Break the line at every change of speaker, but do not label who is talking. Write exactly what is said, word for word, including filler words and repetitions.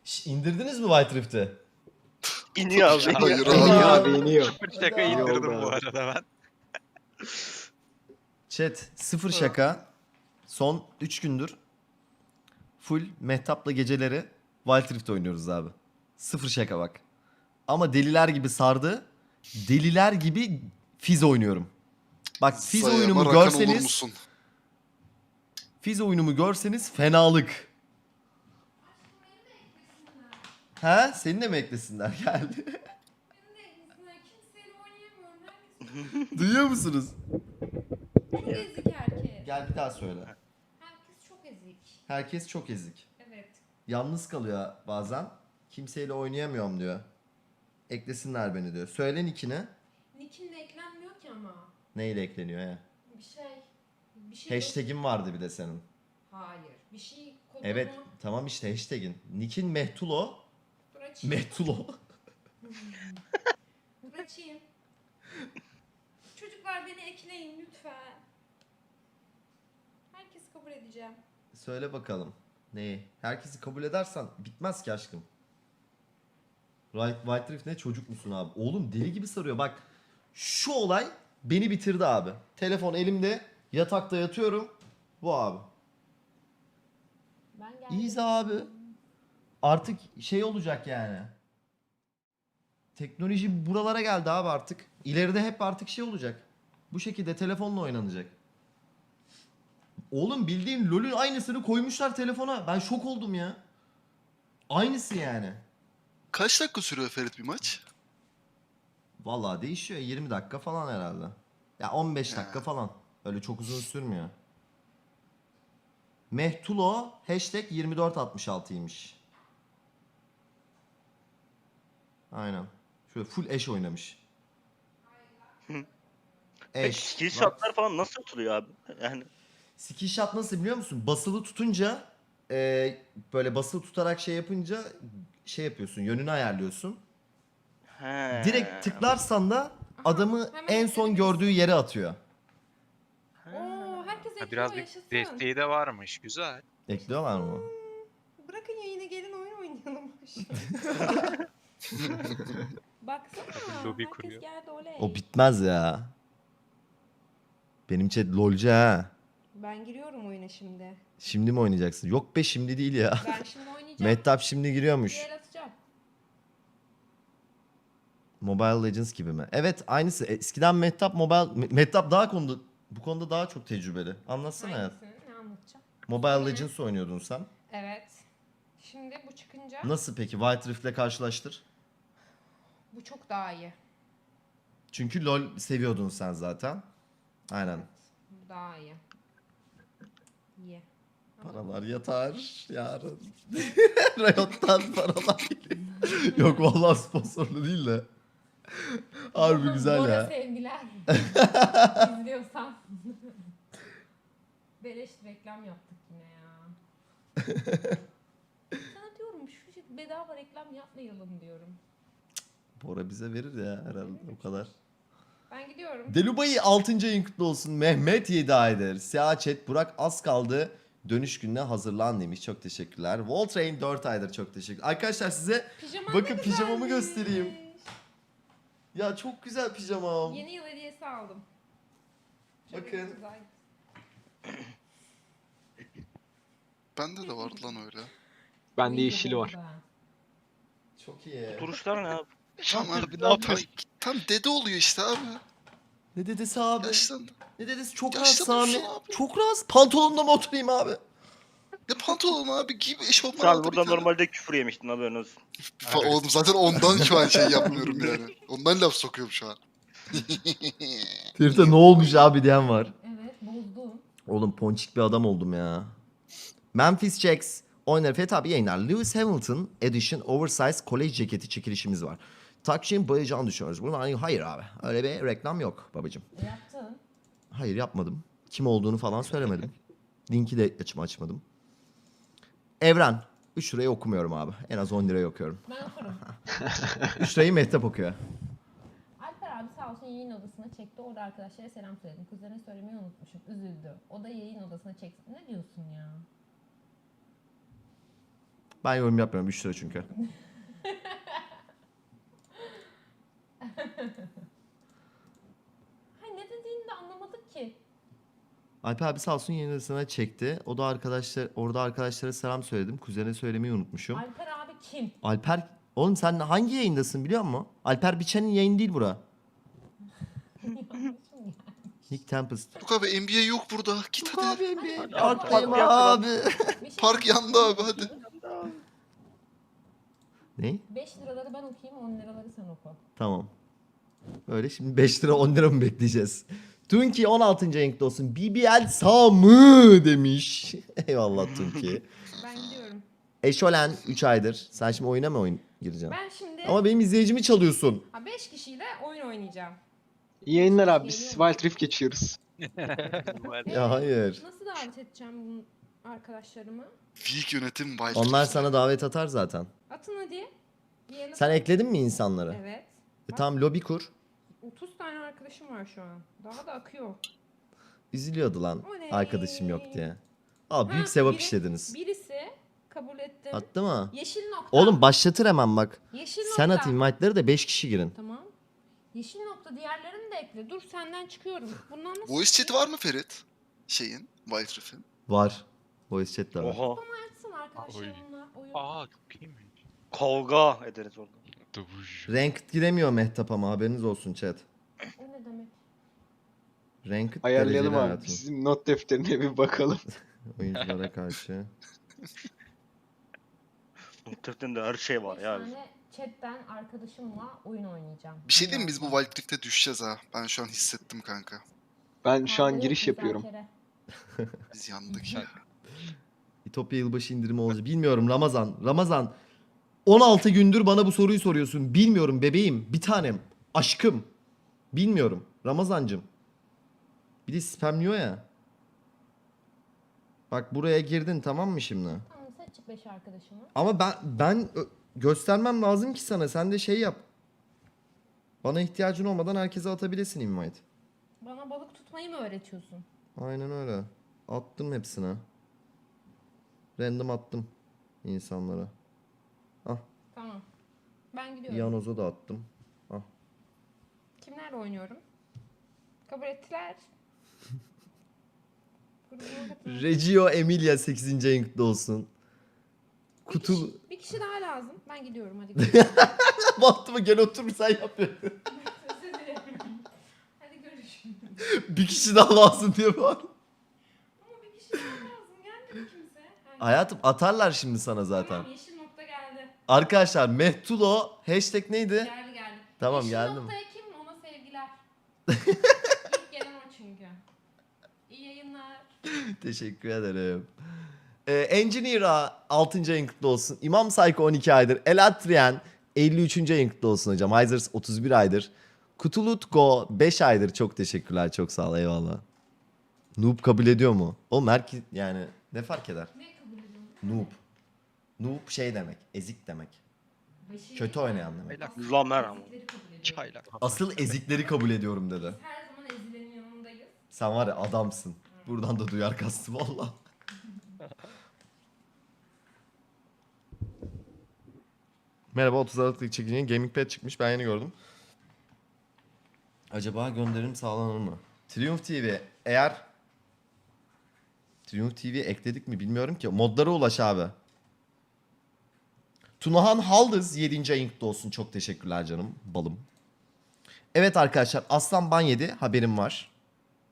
Şş, indirdiniz mi White Rift'i?
İniyor abi.
Hayır
iniyor.
abi.
İniyor abi iniyor.
Sıfır şaka
Hadi abi.
indirdim
Yolda
bu
abi.
arada ben.
Chat sıfır şaka. Son üç gündür full Mehtap'la geceleri Wild Rift oynuyoruz abi. Sıfır şaka bak. Ama deliler gibi sardı. Deliler gibi Fizz oynuyorum. Bak Fizz
Sayama
oyunumu
rakan olur
görseniz
musun?
Fizz oyunumu görseniz fenalık. Ha? Seni de mi eklesinler? Geldi.
Kimseyle oynayamıyorum. Herkes
Duyuyor musunuz?
çok ezik herkes.
Gel bir daha söyle.
Herkes çok ezik.
Herkes çok ezik.
Evet.
Yalnız kalıyor bazen. Kimseyle oynayamıyorum diyor. Eklesinler beni diyor. Söyle nickini.
Nick'in de eklenmiyor ki ama.
Neyle ekleniyor ya?
Bir şey. Bir şey.
Hashtag'in vardı bir de senin.
Hayır. Bir şey kodunu.
Evet tamam işte hashtag'in. Nick'in Mehtulo.
Dur açayım.
Mehtulo.
Dur açayım. Çocuklar beni ekleyin lütfen. Herkes kabul edeceğim.
Söyle bakalım. Neyi? Herkesi kabul edersen bitmez ki aşkım. Right, White Rift ne çocuk musun abi? Oğlum deli gibi sarıyor. Bak şu olay beni bitirdi abi. Telefon elimde yatakta yatıyorum. Bu abi.
Ben geldim.
İyiyiz abi. Artık şey olacak yani. Teknoloji buralara geldi abi artık. İleride hep artık şey olacak. Bu şekilde telefonla oynanacak. Oğlum bildiğin LoL'ün aynısını koymuşlar telefona. Ben şok oldum ya. Aynısı yani.
Kaç dakika sürüyor Ferit bir maç?
Vallahi değişiyor. yirmi dakika falan herhalde. Ya on beş dakika falan. Öyle çok uzun sürmüyor. Mehtulo hashtag yirmi dört altmış altıymış. Aynen. Şöyle full eş oynamış.
Peki skill shotlar falan nasıl atılıyor abi? Yani
Skill shot nasıl biliyor musun? Basılı tutunca e, böyle basılı tutarak şey yapınca şey yapıyorsun. Yönünü ayarlıyorsun.
he.
Direkt tıklarsan da adamı
hemen
en son
ekledim.
gördüğü yere atıyor.
Oo, herkes ekliyor
Ha, biraz bir
yaşasın.
desteği de varmış. Güzel.
Ekliyorlar mı?
Bırakın yayına gelin oyun oynayalım. Baksana.
Lobi
herkes
kuruyor.
geldi oley.
O bitmez ya. Benim chat lolcu ha.
Ben giriyorum oyuna şimdi.
Şimdi mi oynayacaksın? Yok be şimdi değil ya.
Ben şimdi oynayacağım.
Mehtap şimdi giriyormuş.
Bir el atacağım.
Mobile Legends gibi mi? Evet aynısı. Eskiden Mehtap Mobile... Me- Mehtap daha konuda... Bu konuda daha çok tecrübeli. Anlatsana hayat.
Hangisini? Ne anlatacağım?
Mobile Legends oynuyordun sen.
Evet. Şimdi bu çıkınca
Nasıl peki? White Rift'le karşılaştır.
bu çok daha iyi.
Çünkü LoL seviyordun sen zaten. Aynen.
Bu daha iyi. İyi.
Paralar yatar yarın. Riot'tan paralar geliyor. Yok vallahi sponsorlu değil de. Harbi
Bora-
güzel
Bora
ya.
sevgiler. İzliyorsan. Beleş reklam yaptık yine ya. Sana diyorum şu şey- bedava reklam yapmayalım diyorum.
Bora bize verir ya herhalde o kadar.
Ben gidiyorum.
Delubay'ı altıncı ayın kutlu olsun. Mehmet yedi aydır. Siyah chat Burak az kaldı. Dönüş gününe hazırlan demiş. Çok teşekkürler. Voltrain dört aydır çok teşekkür. Arkadaşlar size
Pijaman
bakın
ne
pijamamı
güzelmiş.
göstereyim. Ya çok güzel pijamam.
Yeni yıl hediyesi aldım. Şöyle
Bakın.
güzel.
Bende de vardı lan öyle.
Bende
İyi
yeşili var.
oldu ha.
Çok iyi.
Duruşlar ne abi?
Tam,
abi, ne
tam,
yapıyorsun?
tam dede oluyor işte abi.
Ne dedesi abi?
Yaşlandı.
Ne dedesi? Çok
Yaşlı
rahat Sami.
dursun abi.
Çok rahat. Pantolonla mı oturayım abi?
Ne pantolon abi giy bir eşofman
Şu an
aldı bir
burada
tane.
normalde küfür yemiştin haberin olsun.
Fa- Oğlum zaten ondan şu an şey yapmıyorum yani. Ondan laf sokuyorum şu an.
Ferit'e ne olmuş abi diyen var.
Evet bozdum.
Oğlum ponçik bir adam oldum ya. Memphis Jacks oynar. Fethi abi yayınlar. Lewis Hamilton Edition Oversize College ceketi çekilişimiz var. Takşin bayacağını düşünüyoruz. Bunlar hani hayır abi. Öyle bir reklam yok babacım.
E, yaptın.
Hayır yapmadım. Kim olduğunu falan söylemedim. Linki de açım açmadım. Evren. üç lirayı okumuyorum abi. En az on lirayı okuyorum.
Ben okurum.
üç lirayı Mehtap okuyor.
Alper abi sağ olsun yayın odasına çekti. Orada arkadaşlara selam söyledim. Kuzenine söylemeyi unutmuşum. Üzüldü. O da yayın odasına çekti. Ne diyorsun ya?
Ben yorum yapmıyorum. üç lira çünkü.
Hayır ne dediğini de anlamadık ki.
Alper abi sağ olsun yeni odasına çekti. O da arkadaşlar orada arkadaşlara selam söyledim. Kuzene söylemeyi unutmuşum.
Alper abi kim?
Alper oğlum sen hangi yayındasın biliyor musun? Alper Biçen'in yayını değil bura.
Yanlışım ya.
Nick Tempest.
Yok abi N B A yok burada. Git
Yok
hadi.
abi bir
Hadi
parktayım
abi,
abi.
Bir şey
Park yandı abi hadi.
Ne?
beş liraları ben okuyayım, on liraları sen oku.
Tamam. Öyle şimdi beş lira on lira mı bekleyeceğiz? Tunki on altıncı renkli olsun. B B L sağ mı demiş. Eyvallah Tunki.
Ben gidiyorum.
Eşolen üç aydır. Sen şimdi oyuna mı oyun gireceksin?
Ben şimdi
Ama benim izleyicimi çalıyorsun.
beş kişiyle oyun oynayacağım.
İyi yayınlar abi. Biz Wild Rift geçiyoruz.
Ya hayır.
Nasıl davet edeceğim bu arkadaşlarımı?
Weak yönetim Wild
Onlar
Rift.
sana davet atar zaten.
Atın hadi. Diyelim.
Sen ekledin mi insanları?
Evet.
E tamam lobi kur.
otuz tane arkadaşım var şu an. Daha da akıyor.
Üzülüyordu lan
Oley.
arkadaşım yok diye. Aa büyük
Ha,
sevap
biri-
işlediniz.
Birisi kabul etti.
Attı mı?
Yeşil nokta.
Oğlum başlatır hemen bak.
Yeşil
Sen
nokta.
at invite'ları da beş kişi girin.
Tamam. Yeşil nokta diğerlerini de ekle. Dur senden çıkıyorum. Bundan nasıl?
Voice chat var mı Ferit? Şeyin, Wild Rift'in.
Var. Voice chat de var.
Oha.
Açsın arkadaşlarımla oyun.
Aa çok iyiymiş.
Kavga ederiz orada.
Dövüş.
Ranked giremiyor Mehtap ama haberiniz olsun chat.
O ne demek?
Ranked
Ayarlayalım
dereceli
abi.
hayatım.
Bizim not defterine bir bakalım.
Oyunculara karşı.
Muhtemelen her şey var
Beş
ya.
tane chatten arkadaşımla oyun oynayacağım.
Bir şey diyeyim mi? Biz bu Wild Rift'e düşeceğiz ha. Ben şu an hissettim kanka.
Ben şu an
Kavga
giriş
yok,
yapıyorum.
müzakere.
Biz yandık ya.
İtopya yılbaşı indirimi olacak. Bilmiyorum Ramazan. Ramazan. on altı gündür bana bu soruyu soruyorsun. Bilmiyorum bebeğim. Bir tanem. Aşkım. Bilmiyorum. Ramazancım. Bir de spamliyor ya. Bak buraya girdin tamam mı şimdi?
Tamam seç beş arkadaşımı.
Ama ben ben ö- göstermem lazım ki sana. Sen de şey yap. Bana ihtiyacın olmadan herkese atabilesin invite.
Bana balık tutmayı mı öğretiyorsun?
Aynen öyle. Attım hepsine. Random attım insanlara.
Tamam. Ben gidiyorum.
Yanoz'a da attım.
Kimlerle oynuyorum? Kabul ettiler. Grubuma katılın.
Reggio Emilia sekizinci renkli olsun.
Bir
Kutul...
kişi, bir kişi daha lazım. Ben gidiyorum hadi. Görüşürüz.
Baktı mı gel otur sen yap.
Özür dilerim. Hadi görüşürüz.
Bir kişi daha lazım diye var.
Ama bir kişi daha lazım. Gelmedi kimse. Ha,
Hayatım atarlar şimdi sana zaten.
Tamam yeşil nokta geldi.
Arkadaşlar Mehtulo hashtag neydi?
Geldi geldi.
Tamam,
yeşil
geldim.
noktaya kim? Ona sevgiler. İlk gelen o çünkü. İyi yayınlar.
Teşekkür ederim. Ee, Engineer'a altıncı ayın kutlu olsun. İmam Psycho on iki aydır. Elatrian elli üçüncü ayın kutlu olsun hocam. Hyzers otuz bir aydır. Kutulutko beş aydır. Çok teşekkürler. Çok sağ ol. Eyvallah. Noob kabul ediyor mu? Oğlum herkes yani ne fark eder?
Ne kabul ediyorsun?
Noob. Noob şey demek. Ezik demek.
Beşi-
Kötü oynayan demek.
Çaylak.
Lamer ama.
Ezikleri kabul ediyorum.
Çaylak.
Asıl ezikleri kabul ediyorum dedi.
Biz her zaman ezilenin yanındayız.
Sen var ya adamsın. Buradan da duyar kastı valla. Merhaba otuz Aralık'taki çekicinin Gamingpad çıkmış ben yeni gördüm. Acaba gönderim sağlanır mı? Triumph T V eğer Triumph T V ekledik mi bilmiyorum ki. Modlara ulaş abi. Tunahan Haldız yedinci ayın kutlu olsun. Çok teşekkürler canım balım. Evet arkadaşlar Aslan ban yedi haberim var.